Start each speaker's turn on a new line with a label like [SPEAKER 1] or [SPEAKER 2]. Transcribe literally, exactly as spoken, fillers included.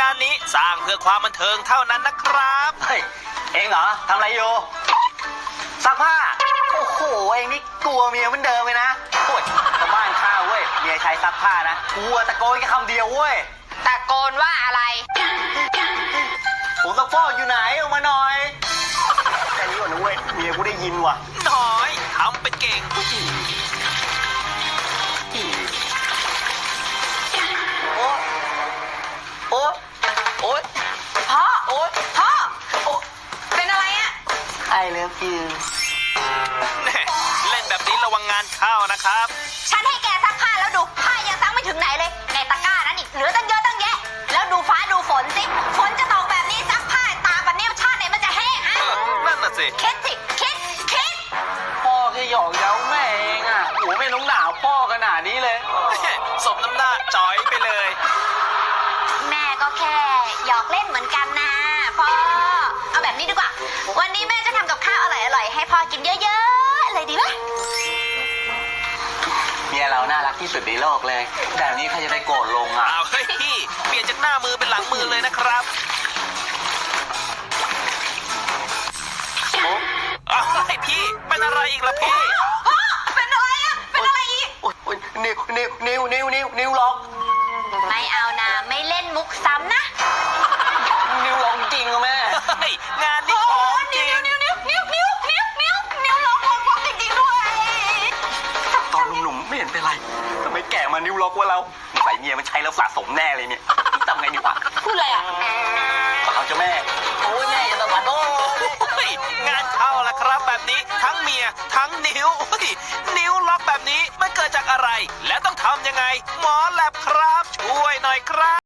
[SPEAKER 1] านนี้สร้างเพื่อความบันเทิงเท่านั้นนะครับ
[SPEAKER 2] เฮ้ยเองเหรอทำอะไรอยู่ซักผ้าโอ้โหเองนี่กลัวเมียเหมือนเดิมเลยนะโอ้ยชาวบ้านข้าวเว้ยเมียใช้ซักผ้านะกลัวตะโกนแค่คำเดียวเว้ย
[SPEAKER 3] ตะโกนว่าอะไร
[SPEAKER 2] ผมซักฟอกอยู่ไหนออกมาหน่อยแค่นี้ก่อนนะเว้ยเมียกูได้ยินว่ะ
[SPEAKER 1] น้อยทำเป็นเก่ง
[SPEAKER 2] โอ๊ยโอ๊ยโอ๊ย
[SPEAKER 3] พ่อ
[SPEAKER 2] โอ๊ย
[SPEAKER 3] พ่อ
[SPEAKER 2] โอ๊ย
[SPEAKER 3] เป็นอะไรอะ
[SPEAKER 2] ไอเลิฟยู
[SPEAKER 1] แน่เล่นแบบนี้ระวังงานเข้านะครับ
[SPEAKER 3] ฉันให้แกซักผ้าแล้วดูผ้ายังซักไม่ถึงไหนเลยในตะกร้านั้นอีกเหลือตั้งเยอะตั้งแยะ แล้วดูฟ้าดูฝนสิฝนจะตกแบบนี้ซักผ้าตากแบบนี้ชาติไหนมันจะแห้งฮะ
[SPEAKER 1] เออนั่นน่ะสิ
[SPEAKER 3] คิดสิคิดคิด
[SPEAKER 2] พ่อแค่หยอกเย้าแม่เองอ่ะโหไม่น้องหนาวพ่อขนาดนี้เลย
[SPEAKER 1] สมน้ำหน้าจอยไปเลย
[SPEAKER 3] แม่ก็แค่หยอกเล่นเหมือนกันนะพ่อเอาแบบนี้ดีกว่า วันนี้แม่จะทำกับข้าวอร่อยๆให้พ่อกินเยอะๆเลยดีไหม
[SPEAKER 2] เมียเราน่ารักที่สุดในโลกเลยแบบนี้ใครจะได้โกรธลงอ่ะ
[SPEAKER 1] เอาเฮ้ยพี่เปลี่ยนจากหน้ามือเป็นหลังมือเลยนะครับเอาเฮ้ยพี่เป็นอะไรอีกล่ะพี่
[SPEAKER 3] พ่อเป็นอะไรอะเป็นอะไรอีก
[SPEAKER 2] โอ๊ยโอ๊ยนิ้วนิ้วนิ้วนิ้วนิ้วนิ้วล็อก
[SPEAKER 3] ไม่เอานะไม่เล่นมุกซ้ำนะ
[SPEAKER 2] นิ้วล็อกจริงอะแม่
[SPEAKER 1] เฮ้ยงานนี้ของจริง
[SPEAKER 3] นิ้วนิ้วนิ้วนิ้วนิ้วนิ้วนิ้วล็อกล็อกล็อกจริงๆด้วย
[SPEAKER 2] ตอนหนุ่มๆไม่เห็นเป็นไรทำไมแก่มานิ้วล็อกว่าเราใส่เมียมันใช้แล้วสะสมแน่เลยเนี่ยทำไงดีวะ
[SPEAKER 3] พูดอะไรอ่ะ
[SPEAKER 2] เอาเจ้าแม่โอ้ยแม่อย่าตะวัดโอ้ย
[SPEAKER 1] เฮ้ยงานเข้าละครับแบบนี้ทั้งเมียทั้งนิ้วเฮ้ยนิ้วล็อกแบบนี้มันเกิดจากอะไร และต้องทำยังไง หมอแลบครับ ช่วยหน่อยครับ